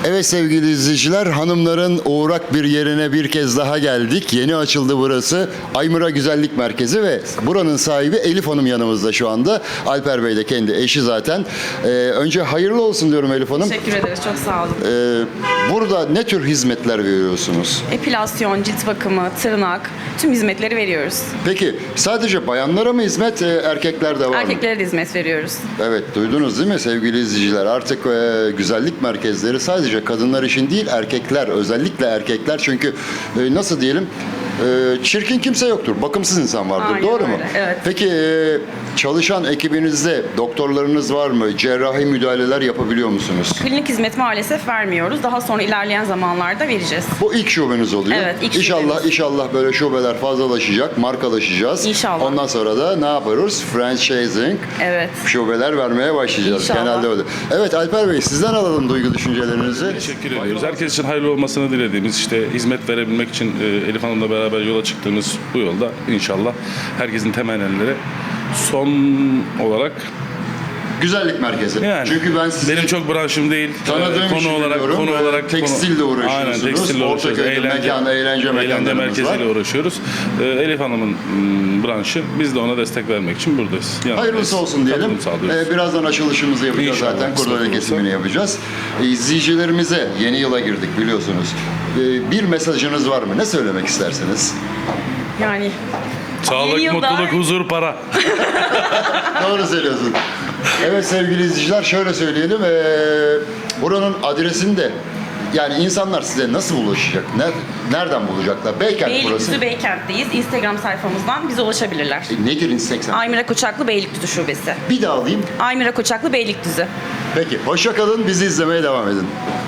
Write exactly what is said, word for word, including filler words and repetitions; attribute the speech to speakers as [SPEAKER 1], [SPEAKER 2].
[SPEAKER 1] Evet sevgili izleyiciler, hanımların uğrak bir yerine bir kez daha geldik. Yeni açıldı burası. Aymıra Güzellik Merkezi ve buranın sahibi Elif Hanım yanımızda şu anda. Alper Bey de kendi eşi zaten. Ee, önce hayırlı olsun diyorum Elif Hanım.
[SPEAKER 2] Teşekkür ederiz, çok sağ olun.
[SPEAKER 1] Ee, burada ne tür hizmetler veriyorsunuz?
[SPEAKER 2] Epilasyon, cilt bakımı, tırnak, tüm hizmetleri veriyoruz.
[SPEAKER 1] Peki sadece bayanlara mı hizmet, e, erkekler de var mı?
[SPEAKER 2] Erkeklere de hizmet veriyoruz.
[SPEAKER 1] Evet, duydunuz değil mi sevgili izleyiciler? Artık e, güzellik merkezleri sadece kadınlar için değil, erkekler, özellikle erkekler, çünkü e, nasıl diyelim, e, çirkin kimse yoktur, bakımsız insan vardır.
[SPEAKER 2] Aynen
[SPEAKER 1] Doğru mu?
[SPEAKER 2] öyle, evet.
[SPEAKER 1] Peki e, çalışan ekibinizde doktorlarınız var mı? Cerrahi müdahaleler yapabiliyor musunuz?
[SPEAKER 2] Klinik hizmet maalesef vermiyoruz. Daha sonra ilerleyen zamanlarda vereceğiz.
[SPEAKER 1] Bu ilk şubeniz oluyor.
[SPEAKER 2] Evet, ilk
[SPEAKER 1] İnşallah
[SPEAKER 2] şubemiz.
[SPEAKER 1] inşallah böyle şubeler fazlalaşacak, markalaşacağız.
[SPEAKER 2] İnşallah.
[SPEAKER 1] Ondan sonra da ne yaparız? Franchising.
[SPEAKER 2] Evet.
[SPEAKER 1] Şubeler vermeye başlayacağız.
[SPEAKER 2] İnşallah.
[SPEAKER 1] Genelde öyle. Evet Alper Bey, sizden alalım duygu düşüncelerinizi.
[SPEAKER 3] Teşekkür ediyoruz. Herkes için hayırlı olmasını dilediğimiz, işte hizmet verebilmek için e, Elif Hanım'la beraber yola çıktığımız bu yolda inşallah herkesin temennileri son olarak
[SPEAKER 1] Güzellik merkezi.
[SPEAKER 3] yani
[SPEAKER 1] Çünkü ben sizi
[SPEAKER 3] benim çok branşım değil.
[SPEAKER 1] tanıdığım
[SPEAKER 3] E, konu
[SPEAKER 1] için
[SPEAKER 3] olarak
[SPEAKER 1] biliyorum.
[SPEAKER 3] konu
[SPEAKER 1] Ee,
[SPEAKER 3] olarak
[SPEAKER 1] tekstille
[SPEAKER 3] konu-
[SPEAKER 1] uğraşıyorsunuz.
[SPEAKER 3] Aynen, tekstille uğraşıyoruz.
[SPEAKER 1] Ortaköy'de mekan, eğlence mekanlarımız
[SPEAKER 3] merkeziyle
[SPEAKER 1] var.
[SPEAKER 3] uğraşıyoruz. E, Elif Hanım'ın m, branşı. Biz de ona destek vermek için buradayız. Yanındayız.
[SPEAKER 1] Hayırlısı olsun diyelim.
[SPEAKER 3] Katılım sağlıyoruz.
[SPEAKER 1] Ee, birazdan açılışımızı yapacağız
[SPEAKER 3] İnşallah,
[SPEAKER 1] zaten.
[SPEAKER 3] kısmet
[SPEAKER 1] Kurdele
[SPEAKER 3] olursa.
[SPEAKER 1] kesimini yapacağız. Ee, İzleyicilerimize yeni yıla girdik biliyorsunuz. Ee, bir mesajınız var mı? Ne söylemek istersiniz?
[SPEAKER 2] Yani
[SPEAKER 3] Sağlık,
[SPEAKER 2] yeni yılda-
[SPEAKER 3] mutluluk, huzur, para.
[SPEAKER 1] Doğru söylüyorsun. Evet sevgili izleyiciler, şöyle söyleyelim. Ee, buranın adresini de, yani insanlar size nasıl ulaşacak? Ne- Nereden bulacaklar? Beykent burası.
[SPEAKER 2] Beylikdüzü Beykent'teyiz. Instagram sayfamızdan bize ulaşabilirler.
[SPEAKER 1] E, nedir Instagram?
[SPEAKER 2] Aymıra Koçaklı Beylikdüzü Şubesi.
[SPEAKER 1] Bir daha alayım.
[SPEAKER 2] Aymıra Koçaklı Beylikdüzü.
[SPEAKER 1] Peki, hoşça kalın. Bizi izlemeye devam edin.